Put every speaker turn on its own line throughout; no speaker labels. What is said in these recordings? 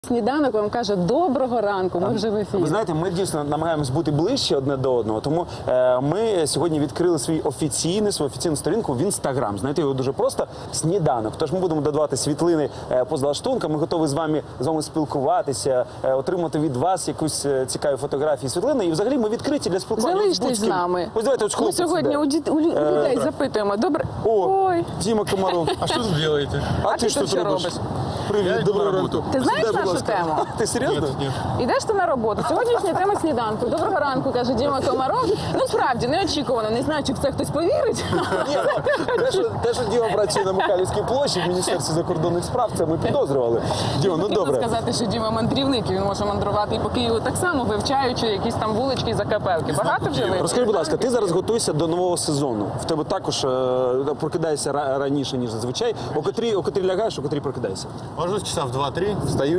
Сніданок вам каже доброго ранку, ми вже в ефірі.
Ви знаєте, ми дійсно намагаємось бути ближче одне до одного, тому ми сьогодні відкрили свою офіційну сторінку в Інстаграм. Знаєте, його дуже просто – сніданок. Тож ми будемо додавати світлини поза лаштунком, ми готові з вами спілкуватися, отримати від вас якусь цікаві фотографії, світлини. І взагалі ми відкриті для спілкування.
Залиштесь з нами.
Ось давайте, ось
Ми
хлопець
сьогодні
іде.
у людей запитуємо. Добре.
Ой, Діма Комаров.
А что тут делаете?
А ти що тут робиш? Привіт, доброго ранку.
Ти знаєш
Сідай, будь
нашу
ласка.
тему?
Ти серйозно?
Нет.
Ідеш ти на роботу. Сьогоднішня тема сніданку. Доброго ранку, каже Діма Комаров. Ну, справді, неочікувано. Не знаю, чи в це хтось повірить.
Ні, те, що Діма працює на Михайлівській площі в Міністерстві закордонних справ, це ми підозрювали. Діма, ну
Потрібно
добре.
сказати, що Діма мандрівник, і він може мандрувати і по Києву так само, вивчаючи якісь там вулички і закапелки. Багато вже вивчив?
Розкажи, будь ласка, ти зараз готуєшся до нового сезону. В тебе також прокидаєшся раніше, ніж зазвичай. О котрій лягаєш, о котрій прокидаєшся?
Ложусь часа в 2-3,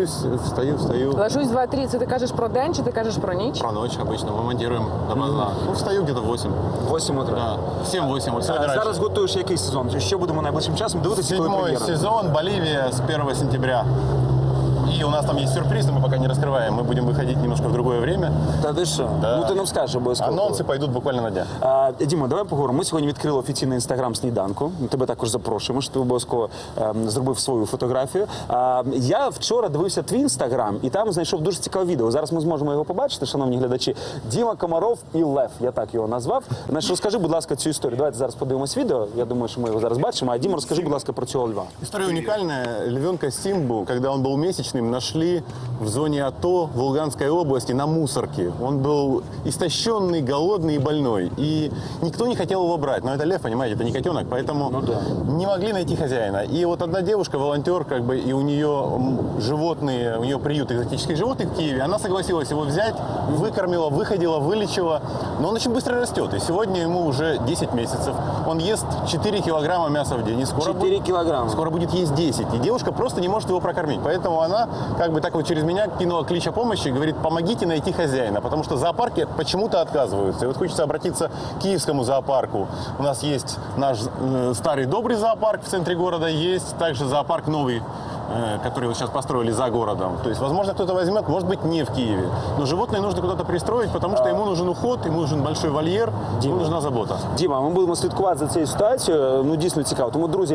встаю.
Ложусь 2-3. Це ти кажеш про день чи ти кажеш про ніч?
Про ночь обычно, мы монтируем допоздна. Ну, встаю где-то в 8.
8 утра.
Да, 7-8, вот сегодня
Зараз
раньше.
готуєш який сезон? Що будемо найближчим часом дивитися, коли
Седьмой
прем'єра?
сезон, Боливия с 1 сентября. И у нас там есть сюрприз, но мы пока не раскрываем. Мы будем выходить немножко в другое время.
Та ти що?
Да.
Ну ти нам скажеш обов'язково.
Анонсы пойдут буквально на днях.
Діма, давай поговоримо. Ми сьогодні відкрили офіційний інстаграм сніданку. Ми тебе також запрошуємо, що ти обов'язково зробив свою фотографію. Я вчора дивився твій інстаграм і там знайшов дуже цікаве відео. Зараз ми зможемо його побачити, шановні глядачі. Діма Комаров і Лев, я так його назвав. Значить, розкажи, будь ласка, цю історію. Давайте зараз подивимось відео. Я думаю, що ми його зараз бачимо. А Діма, розкажи, будь ласка, про цього льва.
История уникальная. Львенка Симбу, когда он был месячным, нашли в зоне АТО в Луганской области на мусорке. Он был истощенный, голодный и больной. И никто не хотел его брать. Но это лев, понимаете, это не котенок, поэтому не могли найти хозяина. И вот одна девушка, волонтер, как бы, и у нее животные, у нее приют экзотических животных в Киеве, она согласилась его взять, выкормила, выходила, вылечила. Но он очень быстро растет. И сегодня ему уже 10 месяцев. Он ест 4 килограмма мяса в день. И скоро
4 килограмма.
Скоро будет есть 10. И девушка просто не может его прокормить. Поэтому она как бы так вот через меня кинула клич о помощи и говорит: помогите найти хозяина. Потому что зоопарки почему-то отказываются. И вот хочется обратиться к киевскому зоопарку. У нас есть наш старый добрый зоопарк в центре города. Есть также зоопарк новый, который вот сейчас построили за городом. То есть, возможно, кто-то возьмет, может быть, не в Киеве. Но животное нужно куда-то пристроить, потому что ему нужен уход, ему нужен большой вольер, ему нужна забота.
Діма, ми будемо слідкувати за цією ситуацією. Ну, дійсно цікаво. Тому, друзі,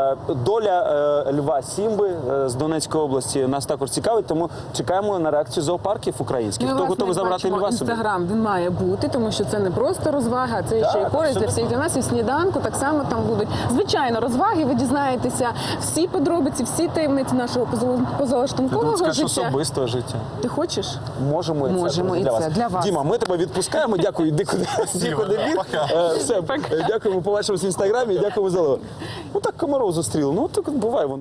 доля льва Сімби з Донецької області нас також цікавить, тому чекаємо на реакцію зоопарків українських. Хто готовий забрати льва собі?
Інстаграм, він має бути, тому що це не просто розвага, це ще й користь для всіх для нас. І в сніданку так само там будуть. Звичайно, розваги, ви дізнаєтеся всі подробиці, всі таємниці нашого позалаштункового
Скажеш,
життя.
особистого життя.
Ти хочеш?
Можемо і це.
Можемо
друзі,
і
для
це,
вас.
для вас.
Діма, ми тебе відпускаємо. Дякую, іди куди біг.
Пока.
Все, дякуємо, побачимось в інстаграмі і дякуємо за лева. Ну так Комаров зустріли. Ну так буває воно.